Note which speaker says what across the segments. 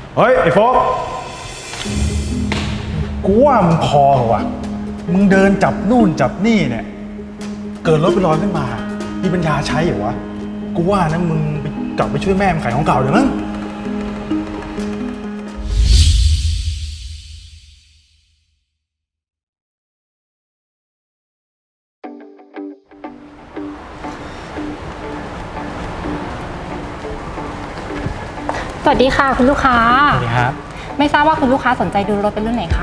Speaker 1: เฮ้ยไอ้โฟกกูว่ามึงพอเหรอวะมึงเดินจับนู่นจับนี่เนี่ยเกิดรถไปลอยขึ้นมามีปัญญาใช้เหรอวะกูว่านะมึงกลับไปช่วยแม่มึงขายของเก่าเดี๋ยวมั้ง
Speaker 2: สวัสดีค่ะคุณลูกค้า
Speaker 3: สวัสดีครับ
Speaker 2: ไม่ทราบว่าคุณลูกค้าสนใจดูรถเป็นรุ่นไหนคะ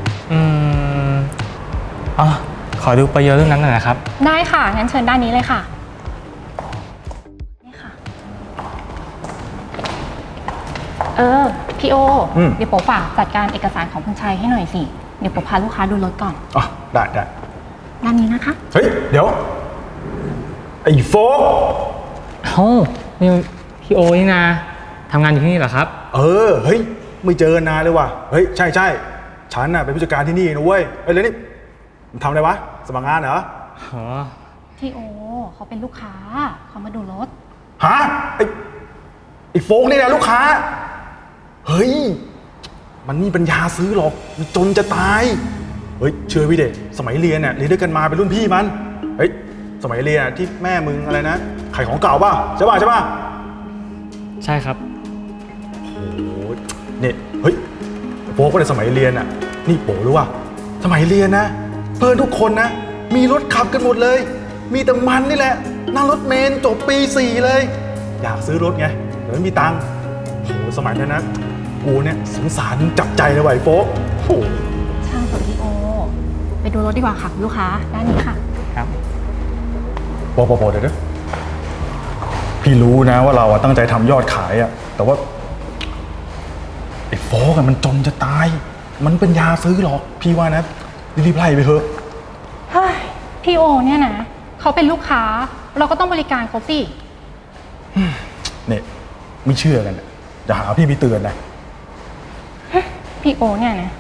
Speaker 3: อ๋อขอดูไปเยอะเรื่องนั้นหน่อยนะครับ
Speaker 2: ได้ค่ะงั้นเชิญด้านนี้เลยค่ะนี่ค่ะพี่โอเดี๋ยวผมฝากจัดการเอกสารของคุณชัยให้หน่อยสิเดี๋ยวผมพาลูกค้าดูรถก่อน
Speaker 1: อ๋อได้
Speaker 2: ด้านนี้นะคะ
Speaker 1: เฮ้ยเดี๋ยวไอ้โฟก
Speaker 3: นี่พี่โอนี่นะทำงานอยู่ที่นี่เหรอครับ
Speaker 1: เฮ้ยไม่เจอนานเลยว่ะเฮ้ยใช่ฉันน่ะเป็นผู้จัดการที่นี่นะเว้ยแล้วนี่ทำอะไรวะสมัครงานเหรอ
Speaker 2: พี่โอเขาเป็นลูกค้าเขามาดูรถ
Speaker 1: ฮะไอ้โฟกนี่นะลูกค้าเฮ้ยมันนี่ปัญญาซื้อหรอกมันจนจะตายเฮ้ยเชื่อพี่เด็กสมัยเรียนเนี่ยเรียนด้วยกันมาเป็นรุ่นพี่มันเฮ้ยสมัยเรียนที่แม่มึงอะไรนะขายของเก่าป่ะใช่ป่ะ
Speaker 3: ใช่ครับ
Speaker 1: โอ้เนี่ยเฮ้ยโฟกในสมัยเรียนอ่ะนี่โป๋รู้ว่าสมัยเรียนนะเพื่อนทุกคนนะมีรถขับกันหมดเลยมีแต่มันนี่แหละนั่งรถเมล์จบปี 4เลยอยากซื้อรถไงแต่ไม่มีตังค์โหสมัยนั้นนะกูเนี่ยสงสารจับใจเลยว่ะไอ้โฟกโห
Speaker 2: ช่างเถอะพี่โอไปดูรถดีกว่าค่ะลูกค้าด้านนี้ค่ะ
Speaker 3: ครับ
Speaker 1: โปเดี๋ยวพี่รู้นะว่าเราตั้งใจทำยอดขายอะแต่ว่าไอ้โฟกมันจนจะตายมันเป็นยาซื้อหรอกพี่ว่านะรีบไล่ไปเถอะ
Speaker 2: เฮ้ยพี่โอเนี่ยนะเขาเป็นลูกค้าเราก็ต้องบริการเขาสิ
Speaker 1: เนี่ยไม่เชื่อกันอย่าหาพี่ไปเตือนนะ
Speaker 2: พี่โอเนี่ยนะ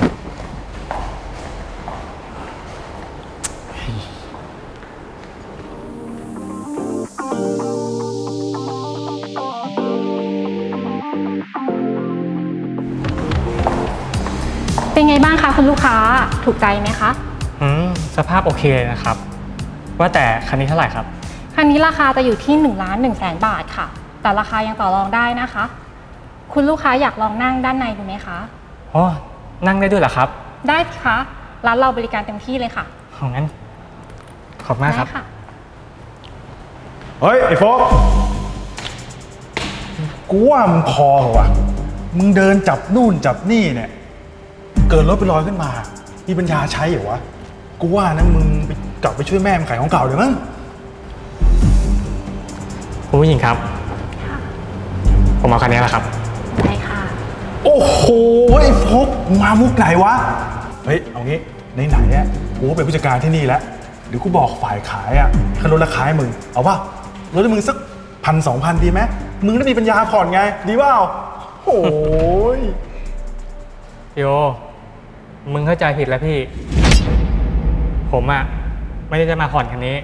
Speaker 2: เป็นไงบ้างคะคุณลูกค้าถูกใจไหมคะ
Speaker 3: สภาพโอเคเลยนะครับว่าแต่คันนี้เท่าไหร่ครับ
Speaker 2: คันนี้ราคาจะอยู่ที่1,100,000 บาทค่ะแต่ราคายังต่อรองได้นะคะคุณลูกค้าอยากลองนั่งด้านในดูไหมคะ
Speaker 3: อ๋อนั่งได้ด้วยเหรอครับ
Speaker 2: ได้ค่ะร้านเราบริการเต็มที่เลยค่ะ
Speaker 3: งั้นขอบมากครับ
Speaker 1: เฮ้ยไอ้โฟกกูว่ามึงพอเหรอวะมึงเดินจับนู่นจับนี่เนี่ยเกิดรถไปลอยขึ้นมามีปัญญาใช้เหรอวะกูว่านะมึงกลับไปช่วยแม่มึงขายของเก่าเดี๋ยวมั้ง
Speaker 3: คุณผู้หญิงครับผมเอาคันนี้แหละครับ
Speaker 2: ได้ค่ะ
Speaker 1: โอ้โหไอ้โฟกมามุกไหนวะเฮ้ยเอางี้ไหนเนี่ยกูเป็นผู้จัดการที่นี่แล้วเดี๋ยวกูบอกฝ่ายขายอ่ะเขาลดราคาให้มึงเอาป่ะลดให้มึงสัก1,000-2,000ดีไหมมึงได้มีปัญญาผ่อนไงดีเปล่าโอ้ย
Speaker 3: โยมึงเข้าใจผิดแล้วพี่ผมอ่ะไม่ได้จะมาผ่อนคันนี้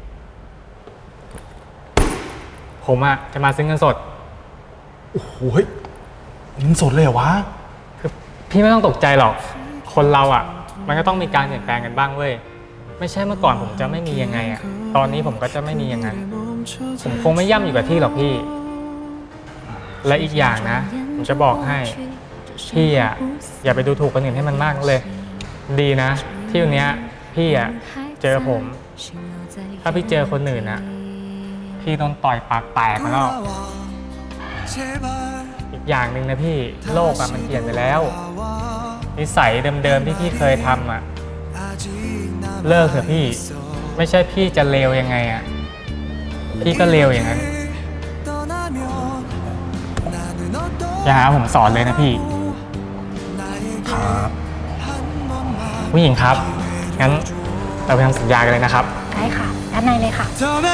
Speaker 3: ผมอ่ะจะมาซื้อเงินสด
Speaker 1: โอ้โหเงินสดเลยเหรอวะ
Speaker 3: คือพี่ไม่ต้องตกใจหรอกคนเราอ่ะมันก็ต้องมีการเปลี่ยนแปลงกันบ้างเว้ยไม่ใช่เมื่อก่อนผมจะไม่มียังไงอ่ะตอนนี้ผมก็จะไม่มีอย่างนั้นผมคงไม่ย่ำอยู่กับที่หรอกพี่และอีกอย่างนะผมจะบอกให้พี่อ่ะอย่าไปดูถูกคนอื่นให้มันมากเลยดีนะที่วันนี้พี่อ่ะเจอผมถ้าพี่เจอคนอื่นอ่ะพี่โดนต่อยปากแตกมาแล้วอีกอย่างหนึ่งนะพี่โลกอ่ะมันเปลี่ยนไปแล้วนิสัยเดิมๆที่พี่เคยทำอ่ะเลิกเถอะพี่ไม่ใช่พี่จะเลวยังไงอ่ะพี่ก็เลวอย่างนั้นอย่าหาผมสอนเลยนะพี่
Speaker 1: ครับ
Speaker 3: ผู้หญิงครับงั้นเราไปทำสัญญากันเลยนะครับ
Speaker 2: ได้ค่ะด้านในเลยค่ะ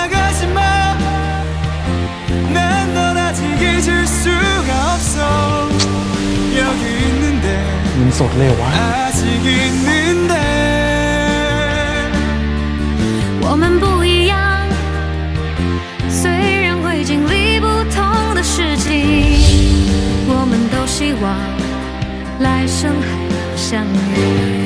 Speaker 1: เงินสดเลยวะ
Speaker 4: 我们不一样，虽然会经历不同的事情，我们都是希望来生还能相遇。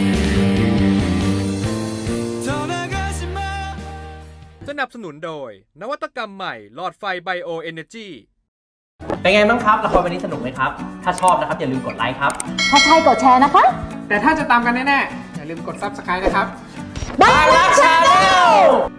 Speaker 5: สนับสนุนโดย นวัตกรรมใหม่หลอดไฟไบโอเอเนจี
Speaker 6: เป็นไงบ้างครับละครวันนี้สนุกไหมครับ ถ้าชอบนะครับอย่าลืมกดไลค์ครับ
Speaker 7: ถ้าใช่กดแชร์นะคะ
Speaker 8: แต่ถ้าจะตามกันแน่ๆ อย่าลืมกด Subscribe นะครับ
Speaker 7: บ้านรักชาแนล